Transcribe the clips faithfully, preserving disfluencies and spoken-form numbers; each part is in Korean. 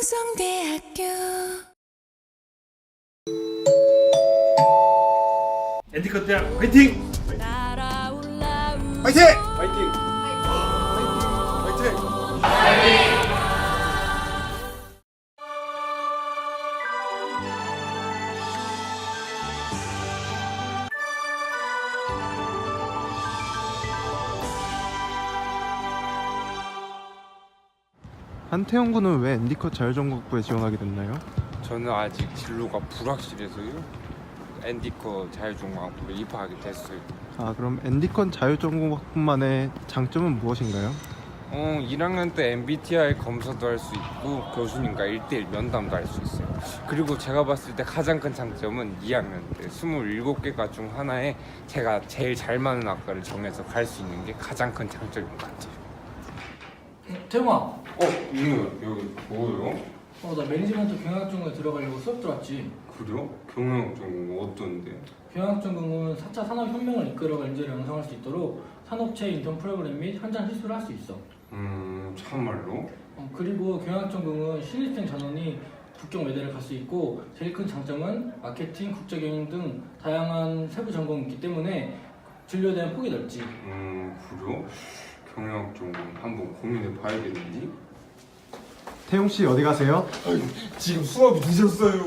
우성대학교 엔디컷 대학 화이팅! 화이팅! 화이팅! 화이팅! 한태영 군은 왜 엔디컷 자율전공학부에 지원하게 됐나요? 저는 아직 진로가 불확실해서요. 엔디컷 자율전공학부에 입학하게 됐어요. 아, 그럼 엔디컷 자율전공학부만의 장점은 무엇인가요? 어, 일 학년 때 엠비티아이 검사도 할 수 있고 교수님과 일 대일 면담도 할 수 있어요. 그리고 제가 봤을 때 가장 큰 장점은 이 학년 때 스물일곱 개과 중 하나에 제가 제일 잘 맞는 학과를 정해서 갈 수 있는 게 가장 큰 장점인 것 같아요. 태용아, 어, 이누 여기 뭐예요? 어, 나 매니지먼트 경영학전공에 들어가려고 수업 들어왔지. 그래요? 경영 전공 어떤데? 경영학전공은 사 차 산업혁명을 이끌어갈 인재를 양성할 수 있도록 산업체 인턴 프로그램 및 현장 실습을 할 수 있어. 음, 참말로? 어, 그리고 경영학전공은 신입생 전원이 국경 외대를 갈 수 있고 제일 큰 장점은 마케팅, 국제경영 등 다양한 세부 전공이 있기 때문에 진로에 대한 폭이 넓지. 음, 그래요? 경영학 전공 한번 고민해 봐야겠는데? 태용 씨 어디 가세요? 아이고, 지금 수업이 늦었어요.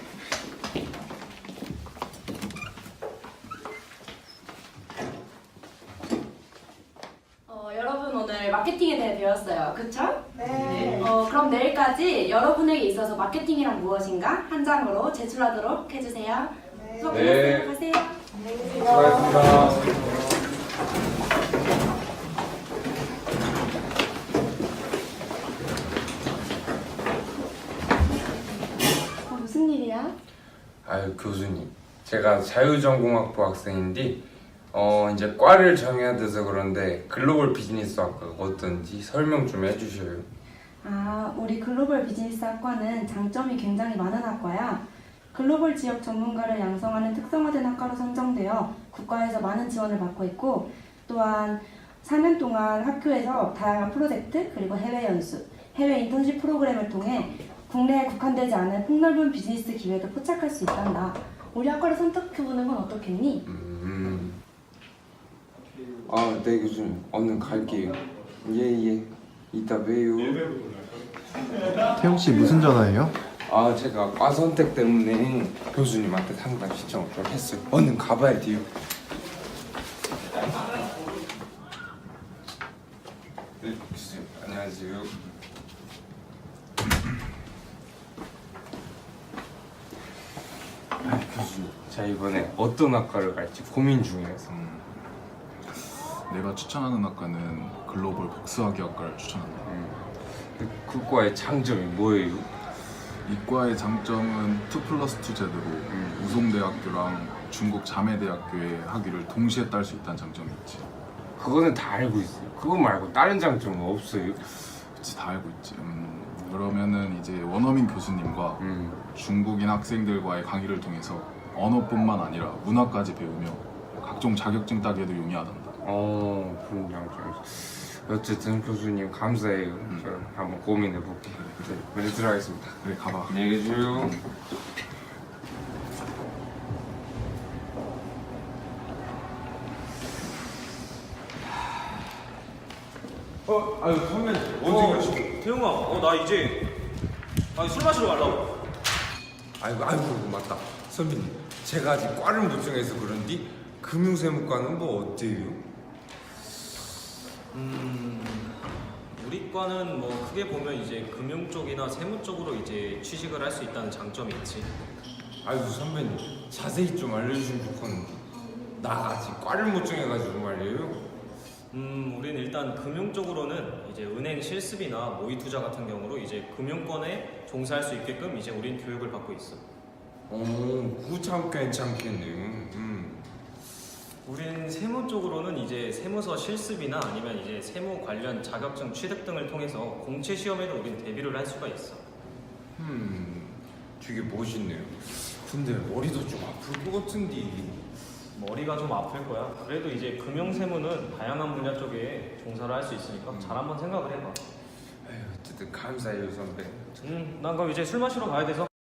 어, 여러분 오늘 마케팅에 대해 배웠어요. 그쵸? 네. 어, 그럼 내일까지 여러분에게 있어서 마케팅이란 무엇인가 한 장으로 제출하도록 해주세요. 수업 네. 끝났으면 가세요. 수고하셨습니다. 어, 무슨 일이야? 아유 교수님, 제가 자율전공학부 학생인데 어 이제 과를 정해야 돼서 그런데 글로벌 비즈니스 학과가 어떤지 설명 좀 해주셔요. 아, 우리 글로벌 비즈니스 학과는 장점이 굉장히 많은 학과야. 글로벌 지역 전문가를 양성하는 특성화된 학과로 선정되어 국가에서 많은 지원을 받고 있고, 또한 사 년 동안 학교에서 다양한 프로젝트 그리고 해외 연수, 해외 인턴십 프로그램을 통해 국내에 국한되지 않은 폭넓은 비즈니스 기회도 포착할 수 있단다. 우리 학과를 선택해보는 건 어떻겠니? 음. 아, 네 교수님, 얼른 갈게요. 예예. 이따 봬요. 태용 씨 무슨 전화예요? 아, 제가 과 선택 때문에 교수님한테 상담 신청을 좀 했어요. 얼른 가봐야 돼요. 네, 교수님, 안녕하세요. 아, 교수님, 제가 이번에 어떤 학과를 갈지 고민 중이라서. 내가 추천하는 학과는 글로벌 복수학위학과를 추천한다. 음, 그, 그 과의 장점이 뭐예요? 이과의 장점은 투 플러스 투 제도로 음. 우송대학교랑 중국 자매대학교의 학위를 동시에 딸 수 있다는 장점이 있지. 그거는 다 알고 있어요. 그거 말고 다른 장점은 없어요. 그치, 다 알고 있지. 음, 그러면은 이제 원어민 교수님과 음. 중국인 학생들과의 강의를 통해서 언어뿐만 아니라 문화까지 배우며 각종 자격증 따기에도 용이하단다. 어, 그런 장점. 어쨌든 교수님 감사해요. 음. 저 한번 고민해 볼게요. 네, 먼저 들어가겠습니다. 그래, 가봐. 안녕히 계세요. 어, 아유 선배님 언제 가시고? 태용아, 어, 나 이제 아니, 술 마시러 가려고. 아이고, 아이고, 맞다. 선배님, 제가 아직 과를 못 정해서 그런지 금융세무과는 뭐 어때요? 음, 우리 과는 뭐 크게 보면 이제 금융 쪽이나 세무 쪽으로 이제 취직을 할 수 있다는 장점이 있지. 아이고 선배님, 자세히 좀 알려주시면 좋겠는데 나 아직 과를 못 정해가지고 말이에요. 음, 우리는 일단 금융 쪽으로는 이제 은행 실습이나 모의 투자 같은 경우로 이제 금융권에 종사할 수 있게끔 이제 우린 교육을 받고 있어. 오, 그거 참 괜찮겠네요. 음. 우린 세무 쪽으로는 이제 세무서 실습이나 아니면 이제 세무 관련 자격증 취득 등을 통해서 공채 시험에도 우린 대비를 할 수가 있어. 음, 되게 멋있네요. 근데 머리도 좀 아플 것 같은데. 머리가 좀 아플 거야. 그래도 이제 금융 세무는 다양한 분야 쪽에 종사를 할 수 있으니까 잘 한번 생각을 해봐. 에휴, 어쨌든 감사해요 선배. 음, 난 그럼 이제 술 마시러 가야 돼서